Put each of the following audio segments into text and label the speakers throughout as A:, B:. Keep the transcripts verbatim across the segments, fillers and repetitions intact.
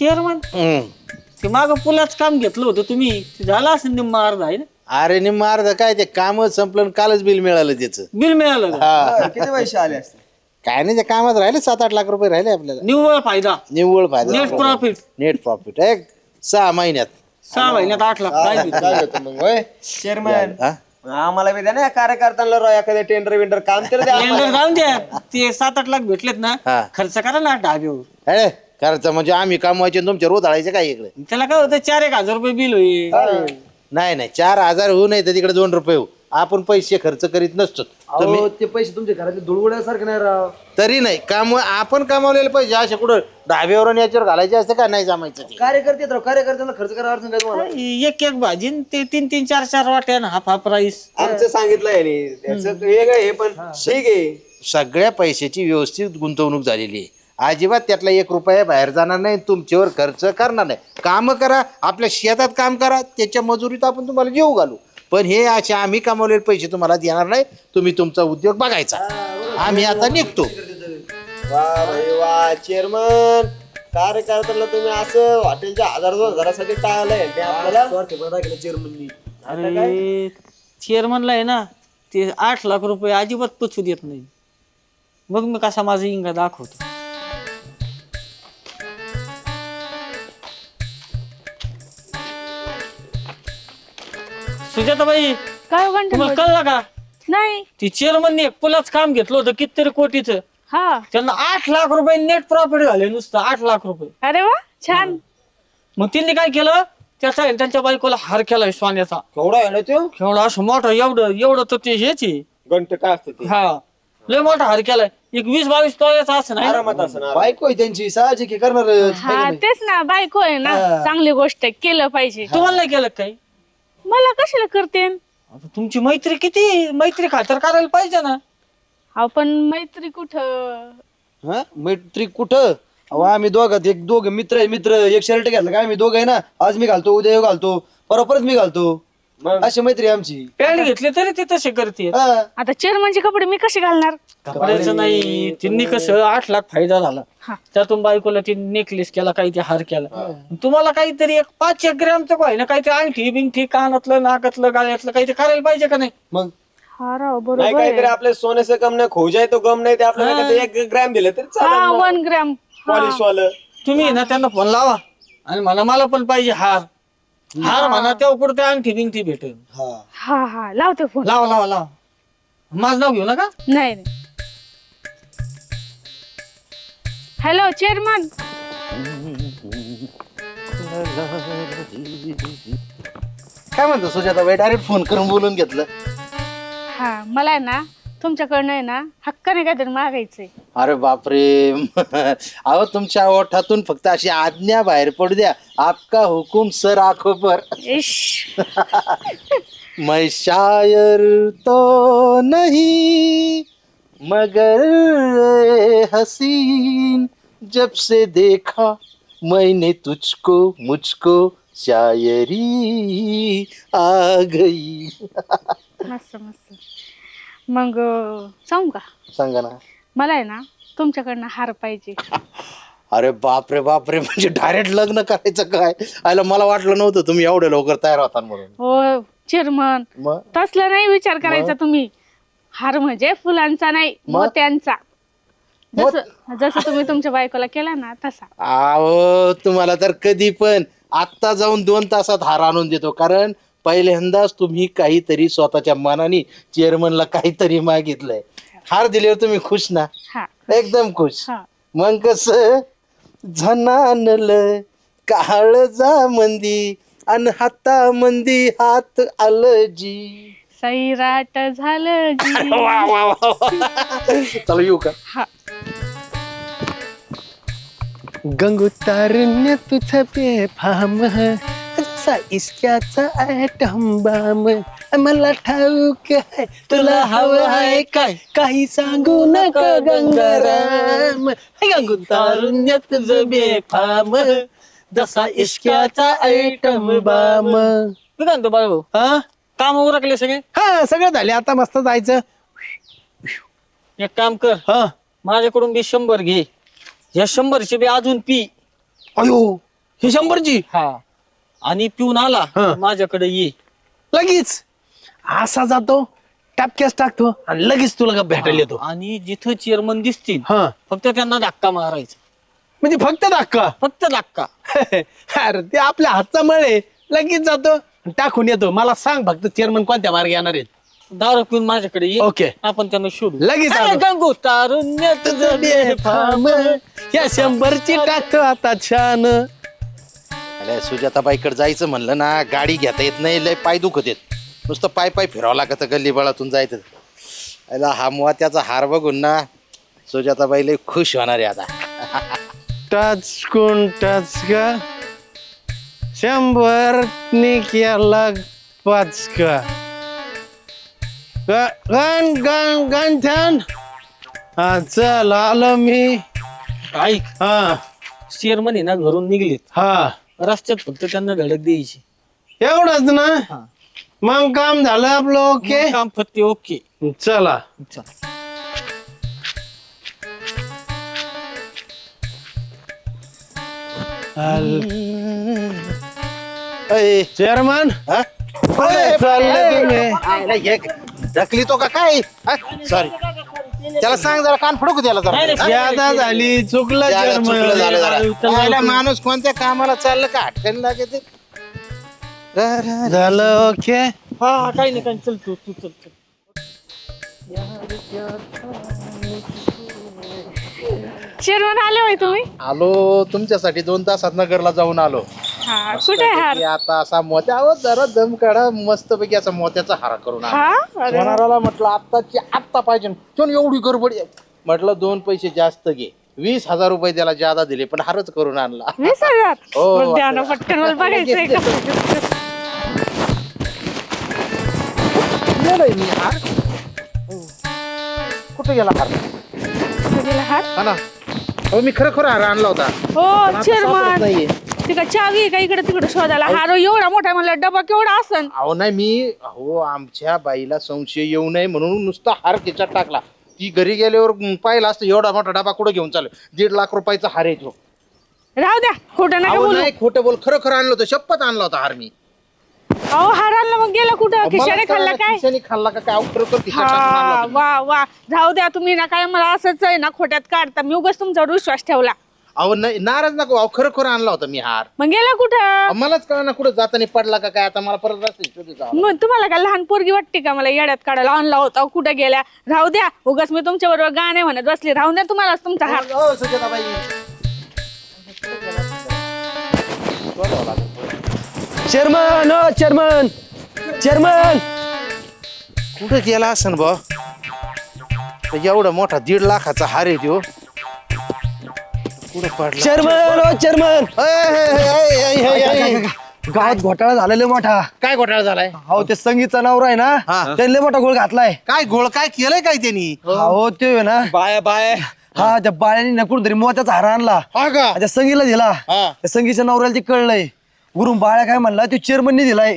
A: Chairman ते माग पुलाच काम घेतलं होतं तुम्ही, ते झालं असं निम्मा अर्धा आहे ना?
B: अरे निम्मा अर्ध काय ते काम संपलं आणि कालच बिल मिळालं त्याचं.
A: बिल मिळालं का?
B: हा
C: किती पैसे आले असते?
B: काय नाही, त्या कामात राहिले सात आठ लाख रुपये राहिले आपल्याला.
A: निव्वळ फायदा,
B: निव्वळ फायदा,
A: नेट प्रॉफिट.
B: नेट प्रॉफिट एक सहा महिन्यात.
A: सहा महिन्यात आठ लाख काय देतो?
C: काय होतं मग होय चेअरमॅन?
B: हा?
C: आम्हाला बी द्या ना कार्यकर्त्यांना राव एखाद्या टेंडर विंडर काम तर द्या आम्हाला.
A: टेंडर जाऊन द्या, ते सात आठ लाख भेटलेत ना,
B: हा.
A: खर्च करा ना ढाब्यावर.
B: अरे खर्च म्हणजे आम्ही कमवायचे आणि तुमच्या रोज काय इकडे?
A: त्याला काय होतं, चार एक हजार रुपये बिल होईल.
B: नाही नाही, चार हजार होऊ नाही तर तिकडे दोन रुपये होऊ. आपण पैसे खर्च करीत नसतो. तुम्ही
C: ते पैसे तुमच्या घरातले दुळगुड्यासारखे नाही राव.
B: तरी नाही काम आपण कमावलेले पैसे असे कुठं ढाब्यावर आणि याच्यावर घालायचे असते का? नाही जमायचं ते.
C: कार्यकर्ते राव, कार्यकर्त्यांना खर्च करावा अडचण काय तुम्हाला?
A: एक एक भाजी न ते तीन तीन चार चार वाट्या ना, हाफ हाफ राईस.
C: आमचं सांगितलं आहे त्याचं वेगळं आहे पण ठीक आहे.
B: सगळ्या पैशाची व्यवस्थित गुंतवणूक झालेली आहे. अजिबात त्यातला एक रुपया बाहेर जाणार नाही, तुमच्यावर खर्च करणार नाही. काम करा, आपल्या शेतात काम करा, त्याच्या मजुरीत आपण तुम्हाला जेव घालू. पण हे असे आम्ही कमावलेले पैसे तुम्हाला देणार नाही. तुम्ही तुमचा उद्योग बघायचा. आम्ही आता निघतो.
C: वा भाई वा चेअरमन, कार्यकर्त्यांना तुम्ही असं हॉटेलच्या हजार दोन हजारासाठी टाळलंय ते आपल्याला चेअरमननी.
A: अरे चेअरमनला आहे ना, ते आठ लाख रुपये अजिबात पचू देत नाही. मग मी कसा माझा इंगा दाखवतो. सुजाताबाई,
D: काय हो घंटे
A: तुम्हाला कळलं का?
D: नाही.
A: ती चेअरमनने एक पुलाच काम घेतलं होतं कितीतरी कोटीचं.
D: हा.
A: त्यांना आठ लाख रुपये नेट प्रॉफिट झाले, नुसतं आठ लाख रुपये.
D: अरे वा, छान.
A: मग त्यांनी काय केलं, त्याचा त्यांच्या बायकोला हार केलाय सोन्याचा.
C: केवढा आहे ना तो
A: एवढा असं मोठा, एवढं एवढं तर ते हेच आहे.
C: घंटे काय असतं ते?
A: हा, लय मोठा हार केलाय. एक वीस बावीस तोळ्याचा असं नाही ना?
C: आरामात असं बायको आहे त्यांची साहजिक करणार.
D: हा तेच ना, बायको आहे ना, चांगली गोष्ट आहे, केलं पाहिजे.
A: तुम्हाला नाही केलं काही?
D: मला कशाला करते?
A: आता तुमची मैत्री किती, मैत्री खातर करायला पाहिजे ना.
D: आपण मैत्री कुठं?
E: हा मैत्री कुठं? अहो आम्ही दोघात एक दोघ मित्र आहे, मित्र एक शर्ट घातलं काय आम्ही दोघं आहे ना, आज मी घालतो उद्या ह्यो घालतो परत परत मी घालतो, अशी मैत्री आहे आमची.
A: पॅन्ट घेतली तरी ते तसे करते.
E: हा.
D: आता चेअरमनचे कपडे मी कसे घालणार?
A: कपड्याचं नाही, त्यांनी कसं आठ लाख फायदा झाला.
D: हा.
A: त्यातून बायकोला ती नेकलेस केला, काही ते हार केला. तुम्हाला काहीतरी एक पाच एक ग्रॅमचं काय ना, काहीतरी अंगठी बिंगठी कानातलं नाकातलं गाळ्यातलं काहीतरी करायला पाहिजे का नाही?
E: मग
D: हा राव,
C: नाही
D: बरोबर
C: काहीतरी
D: आहे.
C: आपल्या सोन्याचं कम नाही, खोजाय तो गम नाही, ते आपल्याला काय ते एक ग्रॅम दिलं तरी
D: हा,
C: चालेल.
D: One gram.
C: पॉलिश वालं
A: तुम्ही ना त्यांना फोन लावा आणि म्हणा मला पण पाहिजे हार. हार म्हणा, तेव्हा कुठे अंगठी बिंगठी भेटेल.
E: हा
D: हा हा, लावते फोन.
A: लावा लावा लावा, माझं नाव घेऊ नका.
D: नाही नाही. Hello chairman.
B: काय म्हणतो सुजाताबाई? डायरेक्ट फोन करून बोलून घेतलं.
D: हा, मला आहे ना तुमच्याकडनं आहे ना हक्काने काहीतरी मागायचंय.
B: अरे बापरे. अहो तुमच्या ओठातून फक्त अशी आज्ञा बाहेर पडू द्या. आपका हुकुम सर आंखों पर.
D: इश.
B: मैं शायर तो नहीं मगर हसीन, जब से देखा मैंने तुझको मुझको शायरी आ गई.
D: मस्त मस्त. मग सांगू का?
B: सांगा ना.
D: मला आहे ना तुमच्याकडनं हार पाहिजे.
B: अरे बापरे बापरे, म्हणजे डायरेक्ट लग्न करायचं काय? आयला मला वाटलं नव्हतं तुम्ही एवढ्या लवकर तयार होता म्हणून.
D: हो चेअरमन,
B: मग
D: तसला नाही विचार करायचा तुम्ही. हार म्हणजे फुलांचा नाही, मोत्यांचा. जसं जसं तुम्ही तुमच्या बायकोला केला ना तसा.
B: अहो तुम्हाला तर कधी पण आत्ता जाऊन दोन तासात हार आणून देतो. कारण पहिल्यांदाच तुम्ही काहीतरी स्वतःच्या मनाने चेअरमनला काहीतरी मागितलंय. हार दिल्यावर तुम्ही खुश ना?
D: हा.
B: एकदम खुश.
D: हा.
B: मग कस झनानल काळजा मंदी अन हाता मंदी हात आलजी.
D: सैराट झालं जी.
B: वा वा वा. चला येऊ का?
D: हा.
E: गंगू तारुण्य तुझं बेफाम जसा इश्क्याचा ॲटम बाम, मला ठाऊक आहे तुला हवं आहे काय, काही सांगू नका गंगाराम. गंगू तारुण्य तुझं बेफाम जसा इश्क्याचा ॲटम बाम.
A: मी काय म्हणतो बाळू,
E: हा
A: काम उरकले सगळे?
E: हा सगळं झाले, आता मस्त जायचं.
A: एक काम कर,
E: हा
A: माझ्याकडून बी शंभर घे. या शंभरचे बी अजून पी.
E: अयो
F: ही शंभरची
A: हा आणि पिऊन आला
F: हा.
A: माझ्याकडे ये.
F: लगेच असा जातो टापक्यास टाकतो आणि लगेच तुला का भेटायला येतो.
A: आणि जिथं चेअरमन दिसतील
F: हा
A: फक्त त्यांना धक्का मारायचा,
F: म्हणजे फक्त धक्का.
A: फक्त धक्का.
F: अरे ते आपल्या हातचा मळ आहे, लगेच जातो टाकून येतो. मला सांग फक्त चेअरमन कोणत्या मार्गे येणार आहेत.
A: दारू पिऊन माझ्याकडे ये.
F: ओके.
A: आपण त्यांना शोधू.
F: लगेच
A: अरे
F: आलो.
A: गंगू तारुण्यात
F: बेफाम, या शंभरची टाकतो आता छान.
B: अरे सुजाताबाईकडे जायचं म्हणलं ना, गाडी घेता येत नाही, लय पाय दुखत येत, नुसतं पाय पाय फिरावं लागतं गल्लीबळातून जायचं. अला हा मोत्याचा हार बघून ना सुजाताबाई लय खुश होणार आहे आता.
F: टच कोण टच का शंभर नि केला पाच का ग- गण गण गंठन. हा चल आलो मी.
A: ऐक,
F: हा
A: चेअरमन आहे ना घरून निघलेत,
F: हा
A: रस्त्यात फक्त त्यांना धडक द्यायची.
F: एवढंच ना,
A: हा.
F: मग काम झालं आपलं. ओके
A: मग काम फक्त ओके.
F: चला.
A: चल.
B: अय,
F: चेअरमन
B: हा?
F: कुठे चालले तुम्ही?
B: आयला एक ढकली तो का काय? सॉरी, त्याला सांग जरा, कान फडकू त्याला जरा. हा?
F: ज्यादा झाली चुकलं
B: झालं, चुकलं झालं
F: चेअरमन.
B: जरा. आयला माणूस कोणत्या कामाला चाललं का अटकन लागते.
F: झालं ओके.
A: हा काही नाही काही, चल तू तू चल चल.
D: चेअरमन आले होय तुम्ही?
B: आलो तुमच्यासाठी, दोन तासात नगरला जाऊन आलो.
D: हा कुठे आहे हार?
B: की आता असा मोत्या आहो, जरा दम काढा, मस्त पैकी असा मोत्याचा हार करून आणा.
D: हा अरे वा.
B: होणाराला म्हटलं आत्ताची आत्ता पाहिजे, तो एवढी गडबड आहे. म्हटलं दोन पैसे जास्त घे, वीस हजार रुपये त्याला जादा दिले, पण हारच करून आणला.
D: वीस हजार
B: हो,
D: बरं, द्या ना पटकन, मला बघायचंय का.
B: नेलंय मी हार. कुठे गेला हार?
D: कुठे गेला हार?
B: हा ना, हो मी खरं खरं हार आणला होता.
D: हो
B: सापडत
D: चेअरमन,
B: नाहीये.
D: ती का चावी आहे का इकडे तिकडे शोधायला? हार एवढा मोठा म्हणलं, डबा केवढा असन?
B: अहो नाही, मी अहो आमच्या बाईला संशय येऊ नये म्हणून नुसता हार खिचात टाकला. ती घरी गेल्यावर पाहिला असतं एवढा मोठा डबा कुठं घेऊन चालू, दीड लाख रुपयाचा हार येतो.
D: राहू द्या, खोटं नका
B: अहो
D: बोलू.
B: नाही, खोटं बोल, खरं खरं आणलं होतं, शपथ आणला होता हार मी.
D: अहो हार आणला मग गेला कुठं? खिशाने खाल्ला काय?
B: खिशाने खाल्ला का काय? अहो, खरोखर खिशात टाकून आणला
D: हा
B: होता मी.
D: वा वा, राहू द्या तुम्ही ना, काय मला असंच आहे ना खोट्यात काढता. मी उगाच तुमच्यावर विश्वास ठेवला.
B: अहो नाही, नाराज नको, अहो खरं खरं आणला होता मी हार.
D: मग गेला कुठं?
B: अहो, मलाच कळलं ना कुठं जाताना पडला का काय, आता मला परत रस्ते शोधू जावं.
D: मग तुम्हाला काय लहान पोरगी वाटते का मला येड्यात काढायला? आणला होता कुठे गेल्या? राहू द्या, उगाच मी तुमच्या बरोबर गाणे म्हणत बसले. राहू द्या तुम्हाला तुमचा हार.
B: अहो, सुजाताबाई.
E: चेअरमन ओ चेअरमन चेअरमन.
B: कुठं गेला असन बा? एवढा मोठा दीड लाखाचा हार आहे त्यो. कुठं पडला?
E: चेअरमन ओ चेअरमन.
B: अय, अय, अय, अय, अय, अय, अय.
E: गावात घोटाळा झालेला मोठा.
B: काय घोटाळा झालाय?
E: अहो ते संगीतचा नवरा आहे ना,
B: हा.
E: त्यांनी लय मोठा गोळ घातलाय.
B: काय घोळ काय केलंय काय त्यांनी?
E: हो ते आहे ना,
F: बाय बाय.
E: हा त्या बाळ्याने ना कुठतरी मोत्याचा हार आणला,
B: हा का?
E: त्या संगीला दिला.
B: हा.
E: त्या संगीच्या नवऱ्याला ते कळलंय. गुरुम बाळ्या काय म्हणला, तो चेअरमनने दिलाय.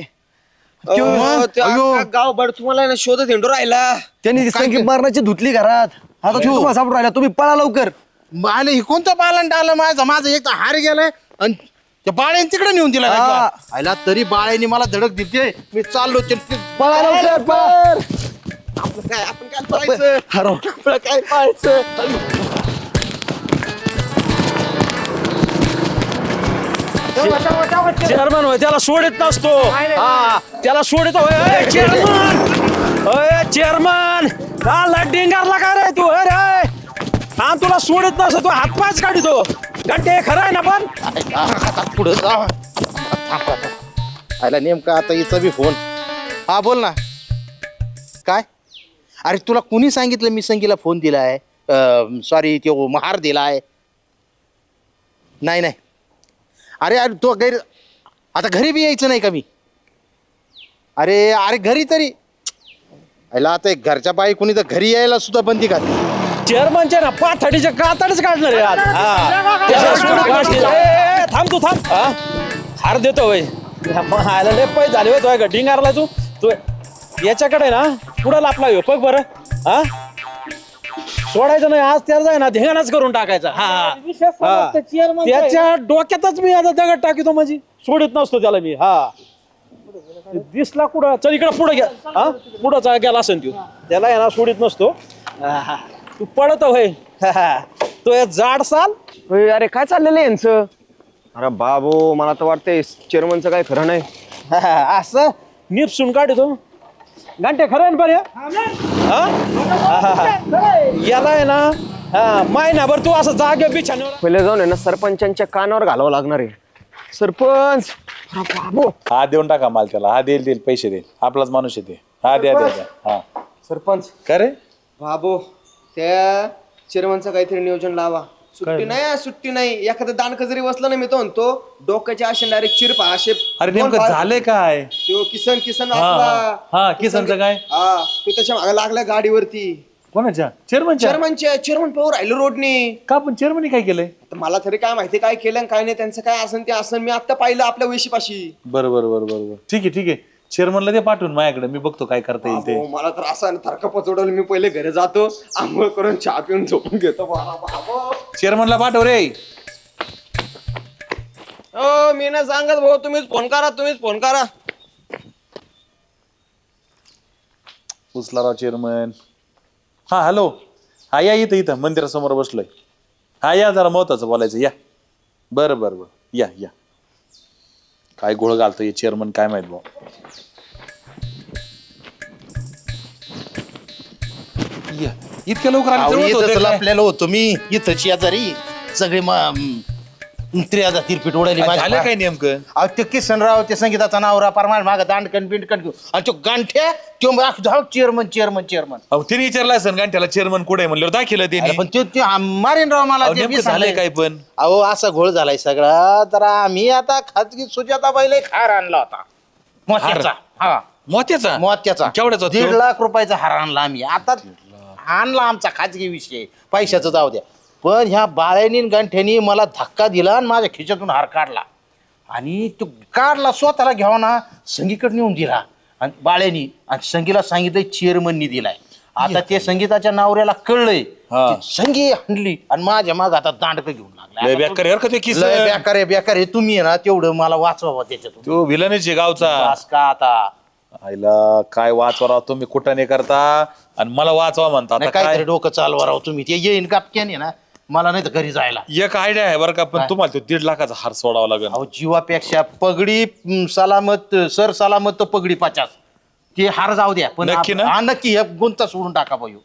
C: गाव बड तुम्हाला शोधत हिंडू राहिला.
E: त्यांनी ती संगीत मारण्याची धुतली घरात. आता तो तुम्हाला सापडून राहिला, तुम्ही पळा लवकर.
B: आले हे कोणतं पालन आलं माझं माझं एक तर हार गेलाय आणि त्या बाळ्याने तिकडे नेऊन दिला
E: हा.
B: का? आयला तरी बाळ्याने मला धडक दिली. मी चाललो ते- ते-
E: पळा लवकर पळा.
C: काय आपण काय पाहायचं?
E: हरव.
C: आपलं काय पाहायचं?
F: चेअरमन होय, त्याला सोडित नसतो. हा त्याला सोडित होय. चेअरमन अय चेअरमन, का डिंगारला का रे तू? अरे हा तुला सोडित नसतो, तू हातपायच काढतो. गड्डे खरं आहे ना पण.
B: आता पुढं जा. थांब, थांब. आयला नेमका आता हिचा बी फोन. हा बोल ना. काय? अरे तुला कुणी सांगितलं मी संगीला फोन दिलाय? सॉरी, तो महार दिलाय. नाही नाही, अरे अरे तो घरी, आता घरी बी यायचं नाही का मी? अरे अरे घरी तरी आयला आता एक घरच्या बाई कुणी तर घरी यायला सुद्धा बंदी घातली.
F: चेअरमनच्या ना पाथडीच्या कातडच काढणार आहे आज. हा. त्याला सोडित नसतो. ए, ए, थांब तू थांब. हा? हार देतो होय. आयला लय पै झाले होय तो डिंगारला. तू तू याच्याकडे ना पुढं लापला हो बघ बरं. हा सोडायचं नाही आज त्याला जाय ना ध्यानच करून टाकायचा हा
A: विषय समजतं, chairman चा आहे.
F: त्याच्या डोक्यातच मी आता दगड टाकीतो म्हणजे सोडित नसतो त्याला मी हा दिसला कुठं चल इकडं पुढे घ्या हा पुढं गेला असेल तू त्याला आहे ना सोडित नसतो हा, तू पडत होय तो हे जाड साल
C: होय, अरे काय चाललेलं आहे यांचं? अरे बाबू मला तर वाटतंय चेअरमनचं काय खरं नाही.
F: असं निपसून काढतो घंटे खरं आहे ना बरं याला आहे ना हा महिनाभर तू असं जागे बिछाण्यावर
C: पहिले जाऊन आहे ना सरपंचांच्या कानावर घालावं लागणार आहे. सरपंच अरे बाबू
G: हा देऊन टाका माल त्याला हा देईल देईल पैसे देईल आपलाच माणूस येते हा द्या द्या द्या. हा
C: सरपंच
G: का रे
C: बाबू त्या चेअरमनचं काहीतरी नियोजन लावा. सुट्टी नाही हा, सुट्टी नाही. एखादं दांडक जरी बसलं ना मी तो म्हणतो डोक्याच्या असे डायरेक्ट चिरपा असे
G: अरे
C: दोन
G: नेमकं
C: फार-
G: झालंय काय
C: तो किसन किसन
G: हा,
C: आपला
G: हा, किसनचं काय?
C: हा तो त्याच्या मागे लागला गाडीवरती.
G: कोणाच्या चेअरमनच्या
C: चेअरमनच्या चेअरमन पाहू राहिलो रोडनी.
G: का पण चेअरमनी काय केलंय
C: तर मला तरी काय माहिती काय केलं आणि काय नाही त्यांचं काय असन ते असन. मी आता पाहिलं आपल्या वेशीपाशी.
G: बरं बरं बरं बरं बरं ठीक आहे ठीक आहे चेअरमनला ते पाठवून माझ्याकडे मी बघतो काय करता येईल ते
C: अहो, मला तर असं थरका पचवडलं. मी पहिले घरी जातो आंघोळ करून चहा पिऊन झोपून घेतो. बाबा, बाबा.
G: चेअरमनला पाठव रे
C: हो मी ना सांगत भाऊ तुम्हीच फोन करा तुम्हीच फोन करा.
G: उचला राव चेअरमन हा हॅलो हा या इथं इथं मंदिरासमोर बसलोय हा या जरा महत्वाचं बोलायचं या बरं बरं बरं या या काय गोळ घालतोय चेअरमन काय माहित भाऊ या इतक्या लवकर आले जवळच होते
B: इथं
G: काय?
B: आपल्याला होतो मी इथं शेजारी सगळे त्रियादा तिरपीट उडाली
G: काय
B: माझ्या
G: झालं काय नेमकं
B: अहो ते किसनराव ते संगीताचा नावरा परमार माग दांडकन बिंडकन घेऊ आणि तो गांठ्या तो धाव चेअरमन चेअरमन चेअरमन
G: अहो तिने विचारलं असेल गांठ्याला चेअरमन कुठे आहे म्हणल्यावर दाखिलं त्यांनी
B: पण ते मारेन राव मला
G: अहो,
B: ते
G: नेमकं
B: बी
G: झालंय
B: सांगाय.
G: काय पण
B: अहो असा घोळ झालाय सगळा तर आम्ही आता खाजगी सुजाता बाईला एक हार आणला होता मोत्याचा हा
G: मोत्याचा
B: मोत्याचा
G: केवढ्याचा
B: दीड
G: तो?
B: लाख रुपयाचा हार आणला आम्ही आता आणला आमचा खाजगी विषय पैशाचं जाऊ द्या पण ह्या बाळ्यानी गंठ्यानी मला धक्का दिला आणि माझ्या खिशातून हार काढला आणि तो काढला स्वतःला घ्यावा ना संगीकडे नेऊन दिला आणि बाळ्यानी आणि संगीला सांगितलं चेअरमननी दिलाय आता ते संगीताच्या नावऱ्याला कळलंय
G: हा.
B: ती संगी हंडली आणि माझ्या माग आता दांडक घेऊन
G: लय
B: लागला
G: बेकार यार का ते किस
B: लय बेकार आहे बेकार आहे तुम्ही आहे ना तेवढं मला वाचवा त्याच्यातून
G: तो विलनच आहे गावचा
B: बस का आता
G: आईला काय वाचवा तुम्ही कुठं नाही करता आणि मला वाचवा म्हणता
B: नाही
G: आता
B: काहीतरी
G: काय
B: डोकं चालवा राव तुम्ही ते येईन कापक्याने ना मला नाही तर घरी जायला
G: एक आयडिया आहे बरं का पण तुम्हाला तो दीड लाखाचा हार सोडावा लागेल
B: अहो जीवापेक्षा पगडी म, सलामत सर सलामत तर पगडी पचास ते हार जाऊ द्या पण
G: नक्की
B: आप-
G: ना?
B: हा नक्की हे गुंता सोडून टाका भाऊ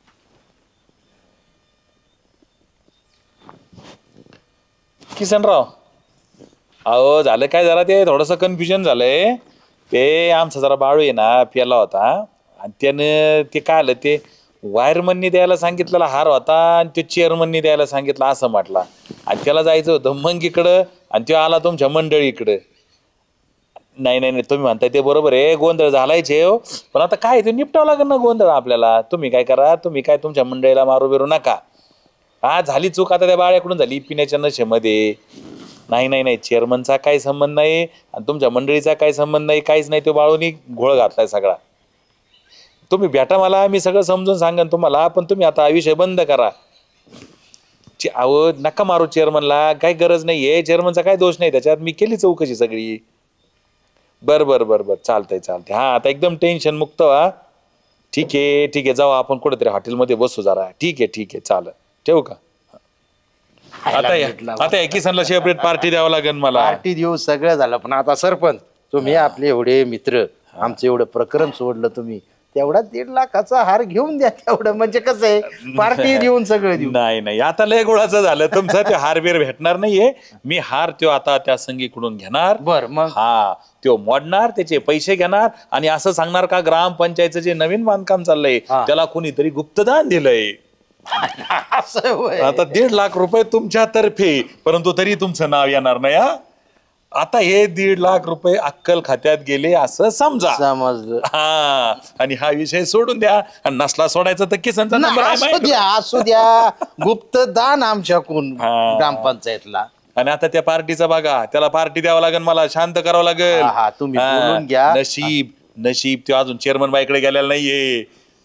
G: किसनराव अहो झालं काय जरा ते थोडस कन्फ्युजन झालंय ते आमचा जरा बाळू आहे ना प्याला होता आणि त्यानं ते काय आलं ते वायरमननी द्यायला सांगितलेला हार होता आणि तो चेअरमननी द्यायला सांगितलं असं म्हटला आणि त्याला जायचं होतं मग इकडं आणि तो आला तुमच्या मंडळी इकडं नाही नाही नाही तुम्ही म्हणताय ते बरोबर आहे गोंधळ झालायच आहे हो पण आता काय ते निपटावं लागेल ना गोंधळ आपल्याला तुम्ही काय करा तुम्ही काय तुमच्या मंडळीला मारू बिरू नका हा झाली चूक आता त्या बाळ्याकडून झाली पिण्याच्या नशेमध्ये नाही नाही नाही चेअरमनचा काही संबंध नाही आणि तुमच्या मंडळीचा काही संबंध नाही काहीच नाही तो बाळूनी घोळ घातलाय सगळा तुम्ही भेटा मला मी सगळं समजून सांगेन तुम्हाला पण तुम्ही आता हा विषय बंद करा चे- अहो नका मारू चेअरमनला काही गरज नाहीये चेअरमनचा काही दोष नाही त्याच्यात मी केली चौकशी सगळी बर बर बर बर चालतंय चालतंय हा आता एकदम टेन्शन मुक्त व्हा ठीक आहे ठीक आहे जाऊ आपण कुठेतरी हॉटेलमध्ये बसू जरा ठीक आहे ठीक आहे चालेल ठेवू का आता या आता या किसनला सेपरेट पार्टी द्यावं लागेल मला
B: पार्टी देऊ सगळं झालं पण आता सरपंच तुम्ही आपले एवढे मित्र आमचं एवढं प्रकरण सोडलं तुम्ही तेवढा दीड लाखाचा हार घेऊन द्या तेवढं म्हणजे कसं आहे पार्टी देऊन सगळं देऊ
G: नाही नाही आता लय गुळाचं झालं तुमचा ते हार बीर भेटणार नाहीये मी हार त्यो आता त्या संगीकडून घेणार
B: बर मग
G: हा त्यो मोडणार त्याचे पैसे घेणार आणि असं सांगणार का ग्रामपंचायतचं जे नवीन बांधकाम चाललंय त्याला कोणीतरी गुप्तदान दिलंय
B: असं होय.
G: आता दीड लाख रुपये तुमच्या तर्फे परंतु तरी तुमचं नाव येणार नाही हा आता हे दीड लाख रुपये अक्कल खात्यात गेले असं समजा
B: समजलं
G: हा आणि हा विषय सोडून द्या आणि नसला सोडायचा तर किसनचा
B: ना,
G: नंबर आहे
B: असू
G: माझ्याकडे.
B: द्या असू द्या गुप्त दान आमच्याकडून
G: हा.
B: ग्रामपंचायतला
G: आणि आता त्या पार्टीचा बघा त्याला पार्टी द्यावं लागेल मला शांत करावं लागेल
B: हा, हा, तुम्ही
G: हा,
B: बोलून घ्या.
G: नशीब नशीब तो अजून चेअरमन बाईकडे गेलेला नाहीये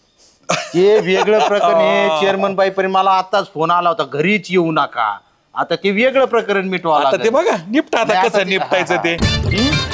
B: ते वेगळं प्रकरण आहे चेअरमन बाई पर्यंत मला आताच फोन आला होता घरीच येऊ नका आता ते वेगळं प्रकरण मिटवा
G: आता ते बघा निपटा आता
B: नाही, आता
G: कसं
B: ते-
G: निपटायचं
B: हा,
G: ते हं?